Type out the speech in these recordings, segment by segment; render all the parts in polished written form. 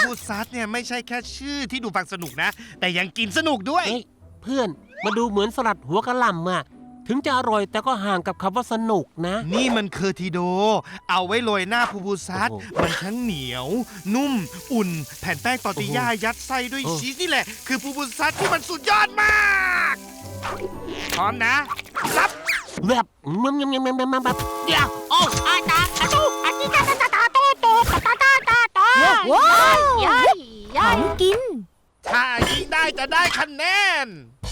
พูซัสเนี่ยไม่ใช่แค่ชื่อที่ดูฟังสนุกนะ แต่ยังกินสนุกด้วยเฮ้ยเพื่อนมาดูเหมือนสลัดหัวกะหล่ำอะถึงจะอร่อยแต่ก็ห่างกับคำว่าสนุกนะนี่มันเคอร์ทิโด เอาไว้โรยหน้าพูซัสโอ้โหมันทั้งเหนียว นุ่ม อุ่น แผ่นแป้งตอร์ติญ่าโอ้โหยัดไส้ด้วยโอ้ชีสนี่แหละ คือพูซัสที่มันสุดยอดมากพร้อมนะรับแบบแบบเดี๋ยวโอ้อาตาอาตูอาติตาตาตาตาโตโตตาตาตาตาว้าวยัยของกินถ้ายิงได้จะได้คะแนน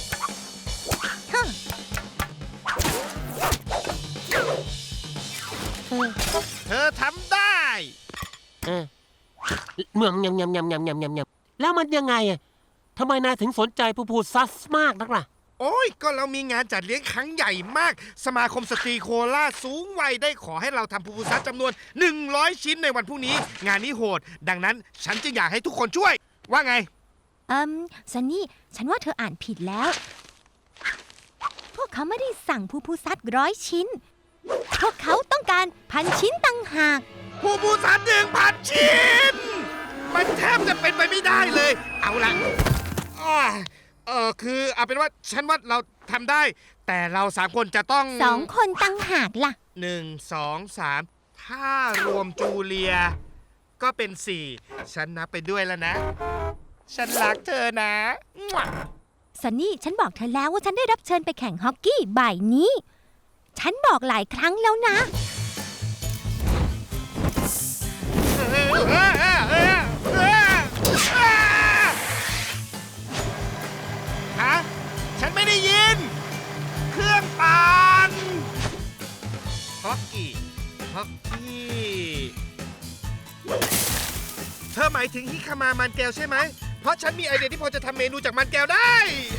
เธอทำได้เมื่อยแล้วมันยังไงอะทำไมนายถึงสนใจพูดซัสมากนักล่ะโอ้ย ก็เรามีงานจัดเลี้ยงครั้งใหญ่มาก สมาคมสตรีโคราชสูงวัยได้ขอให้เราทำพูซัสจำนวน 100 ชิ้นในวันพรุ่งนี้ งานนี้โหด ดังนั้นฉันจึงอยากให้ทุกคนช่วย ว่าไงซันนี่ ฉันว่าเธออ่านผิดแล้ว พวกเขาไม่ได้สั่งพูซัด100 ชิ้น พวกเขาต้องการ1,000 ชิ้นต่างหากพูซัส1,000 ชิ้น มันแทบจะเป็นไปไม่ได้เลย เอาละคือเอาเป็นว่าฉันว่าเราทำได้ แต่เรา3 คนจะต้อง 2 คนต่างหากล่ะ 1 2 3 ถ้ารวมจูเลีย ก็เป็น 4 ฉันนับไปด้วยแล้วนะ ฉันรักเธอนะมั่วซันนี่ ฉันบอกเธอแล้วว่าฉันได้รับเชิญไปแข่งฮอกกี้บ่ายนี้ ฉันบอกหลายครั้งแล้วนะฮะ ฉันไม่ได้ยิน เครื่องปั่นฮอกกี้เธอหมายถึงฮิคามามันแก้วใช่ไหม เพราะฉันมีไอเดียที่พอจะทำเมนูจากมันแก้วได้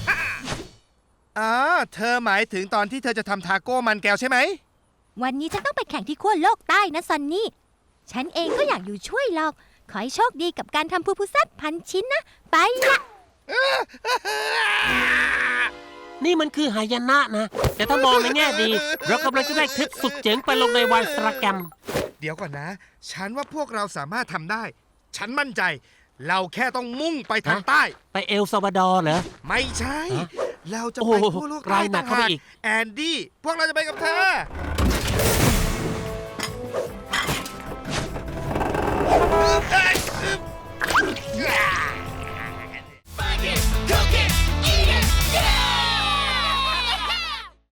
เธอหมายถึงตอนที่เธอจะทำทาโก้มันแก้วใช่ไหมวันนี้ฉันต้องไปแข่งที่ขั้วโลกใต้นะซันนี่ ฉันเองก็อยากอยู่ช่วยหรอก ขอให้โชคดีกับการทำพูซัด1,000 ชิ้นนะ ไปละนี่มันคือหายนะนะ แต่ถ้ามองในแง่ดี เรากำลังจะได้คลิปสุดเจ๋งไปลงในวันสตราแกรมเดี๋ยวก่อนนะ ฉันว่าพวกเราสามารถทำได้ ฉันมั่นใจ เราแค่ต้องมุ่งไปทางใต้ไปเอลซาวาดอร์เหรอไม่ใช่ฮะเราจะโอ้ไปโหทั่วโลกไกลหนักเข้าไปอีกแอนดี้ พวกเราจะไปกับเธอ เ